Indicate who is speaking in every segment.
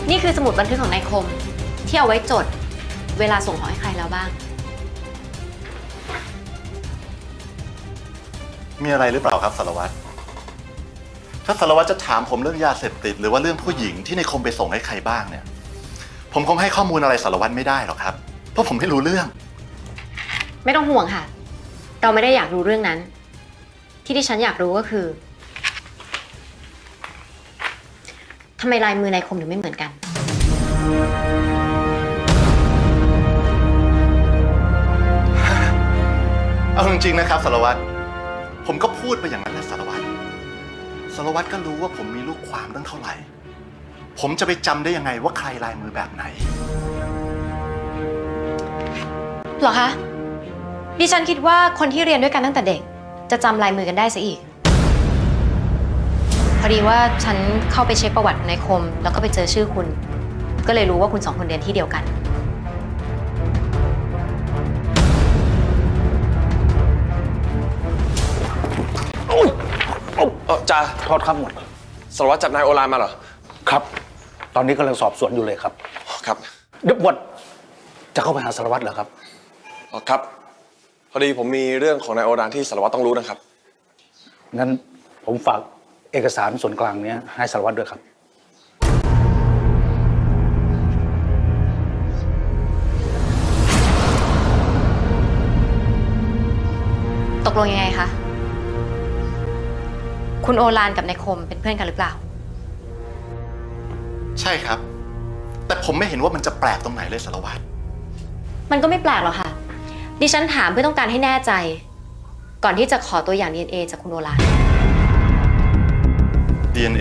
Speaker 1: นี่คือสมุดบันทึกของนายคมที่เอาไว้จดเวลาส่งของให้ใครแล้วบ้าง
Speaker 2: มีอะไรหรือเปล่าครับสารวัตรถ้าสารวัตรจะถามผมเรื่องยาเสพติดหรือว่าเรื่องผู้หญิงที่ในคมไปส่งให้ใครบ้างเนี่ยผมคงให้ข้อมูลอะไรสารวัตรไม่ได้หรอกครับเพราะผมไม่รู้เรื่อง
Speaker 1: ไม่ต้องห่วงค่ะเราไม่ได้อยากรู้เรื่องนั้นที่ดิฉันอยากรู้ก็คือทำไมลายมือนายคมถึงไม่เหมือนกัน
Speaker 2: เอาจริงๆนะครับสารวัตรผมก็พูดไปอย่างนั้นแหละสารวัตรก็รู้ว่าผมมีลูกความตั้งเท่าไหร่ผมจะไปจำได้ยังไงว่าใครลายมือแบบไหน
Speaker 1: หรอคะดิฉันคิดว่าคนที่เรียนด้วยกันตั้งแต่เด็กจะจำลายมือกันได้ซะอีกพอดีว่าฉันเข้าไปเช็คประวัตินายคมแล้วก็ไปเจอชื่อคุณก็เลยรู้ว่าคุณสองคนเรียนที่เดียวกัน
Speaker 3: จ่า
Speaker 4: โทษครับหมวด
Speaker 3: สารวัตรจับนายโอฬารมาเหรอ
Speaker 4: ครับตอนนี้กำลังสอบสวนอยู่เลยครับ
Speaker 3: ครับ
Speaker 4: เดี๋ยวหมวดจะเข้าไปหาสารวัตรเหรอครับ
Speaker 3: ครับพอดีผมมีเรื่องของนายโอฬารที่สารวัตรต้องรู้นะครับ
Speaker 4: งั้นผมฝากเอกสารส่วนกลางนี้ให้สารวัตรด้วยครับ
Speaker 1: ตกลงยังไงคะคุณโอฬารกับนายคมเป็นเพื่อนกันหรือเปล่า
Speaker 2: ใช่ครับแต่ผมไม่เห็นว่ามันจะแปลกตรงไหนเลยสารวัตร
Speaker 1: มันก็ไม่แปลกหรอกค่ะดิฉันถามเพื่อต้องการให้แน่ใจก่อนที่จะขอตัวอย่าง DNA จากคุณโอฬาร
Speaker 2: DNA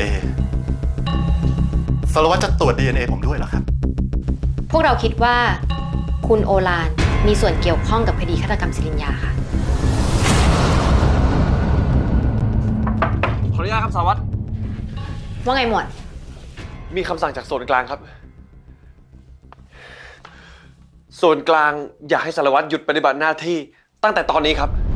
Speaker 2: สารวัตรจะตรวจ DNA ผมด้วยเหรอครับ
Speaker 1: พวกเราคิดว่าคุณโอฬารมีส่วนเกี่ยวข้องกับคดีฆาตกรรมศิรินยาค่ะ
Speaker 3: ขออนุญาตครับสารวัตร
Speaker 1: ว่าไงหมวด
Speaker 3: มีคำสั่งจากส่วนกลางครับส่วนกลางอยากให้สารวัตรหยุดปฏิบัติหน้าที่ตั้งแต่ตอนนี้ครับ